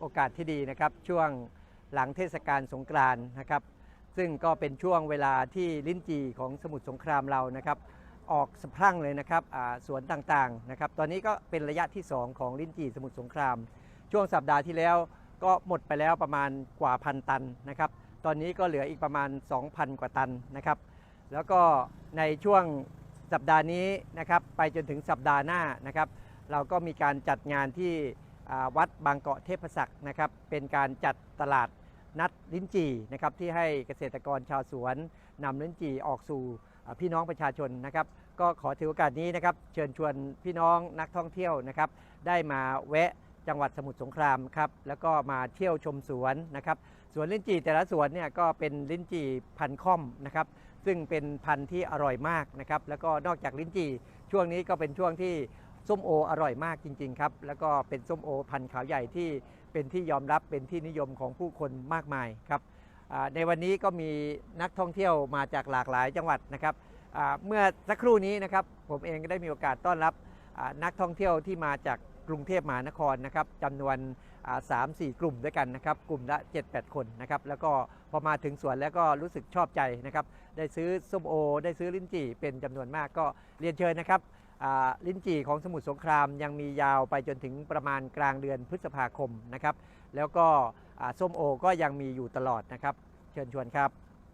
อกาสที่ดีนะครับช่วงหลังเทศกาลสงกรานต์นะครับซึ่งก็เป็นช่วงเวลาที่ลิ้นจี่ของสมุทรสงครามเรานะครับออกสะพรั่งเลยนะครับสวนต่างๆนะครับตอนนี้ก็เป็นระยะที่2ของลิ้นจี่สมุทรสงครามช่วงสัปดาห์ที่แล้วก็หมดไปแล้วประมาณกว่า1,000 ตันนะครับตอนนี้ก็เหลืออีกประมาณ 2,000 กว่าตันนะครับแล้วก็ในช่วงสัปดาห์นี้นะครับไปจนถึงสัปดาห์หน้านะครับเราก็มีการจัดงานที่วัดบางเกาะเทพศักดิ์นะครับเป็นการจัดตลาดนัดลิ้นจี่นะครับที่ให้เกษตรกรชาวสวนนำลิ้นจี่ออกสู่พี่น้องประชาชนนะครับก็ขอถือโอกาสนี้นะครับเชิญชวนพี่น้องนักท่องเที่ยวนะครับได้มาแวะจังหวัดสมุทรสงครามครับแล้วก็มาเที่ยวชมสวนนะครับสวนลิ้นจี่แต่ละสวนเนี่ยก็เป็นลิ้นจี่พันธุ์ค่อมนะครับซึ่งเป็นพันธุ์ที่อร่อยมากนะครับแล้วก็นอกจากลิ้นจี่ช่วงนี้ก็เป็นช่วงที่ส้มโออร่อยมากจริงๆครับแล้วก็เป็นส้มโอพันธุ์ขาวใหญ่ที่เป็นที่ยอมรับเป็นที่นิยมของผู้คนมากมายครับในวันนี้ก็มีนักท่องเที่ยวมาจากหลากหลายจังหวัดนะครับเมื่อสักครู่นี้นะครับผมเองก็ได้มีโอกาสต้อนรับนักท่องเที่ยวที่มาจากกรุงเทพมหานครนะครับจำนวน 3-4 กลุ่มด้วยกันนะครับกลุ่มละ 7-8 คนนะครับแล้วก็พอมาถึงสวนแล้วก็รู้สึกชอบใจนะครับได้ซื้อส้มโอได้ซื้อลิ้นจี่เป็นจำนวนมากก็เรียนเชิญนะครับลิ้นจี่ของสมุทรสงครามยังมียาวไปจนถึงประมาณกลางเดือนพฤษภาคมนะครับแล้วก็ส้มโอก็ยังมีอยู่ตลอดนะครับเชิญชวนครับ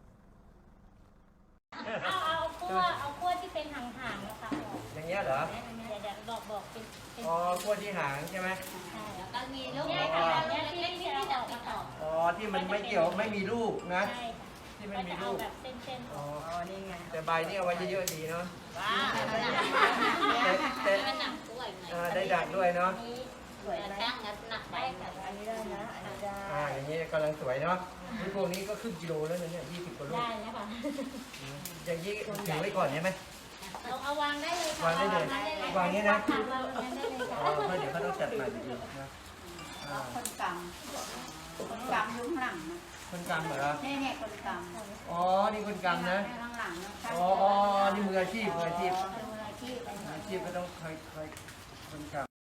เอาขั้วที่เป็นหางๆนะคะอย่างเงี้ยเหรอเดี๋ยวบอกเป็นอ๋อขั้วที่หางใช่ไหมใช่แล้วก็มีลูกเนี่ยค่ะเนี่ยที่เราออกมาต่ออ๋อที่มันไม่เกี่ยวไม่มีลูกนะใช่ที่ไม่มีลูกแบบเส้นๆอ๋อนี่ไงแต่ใบนี่เอาไว้เยอะๆดีเนาะว้าแต่มันหนักด้วยได้ดักด้วยเนาะช่างหนักไปอันนี้ได้นะอันนี้ได้อย่างนี้กำลังสวยเนาะพวกนี้ก็ครึ่งกิโลแล้วเนี่ย20 กว่าลูกได้แล้วค่ะอย่างนี้ถือไว้ก่อนใช่ไหมเอาวางได้เลยค่ะวางได้เลยวางนี้นะวางได้เลยค่ะเพราะเดี๋ยวเขาต้องจัดใหม่อีกนะคนกำยุ่งหลังนะคนกำเหรอเนี่ยคนกำอ๋อนี่คนกำนะข้างหลังนะอ๋อนี่มืออาชีพก็ต้องคอยคนกำ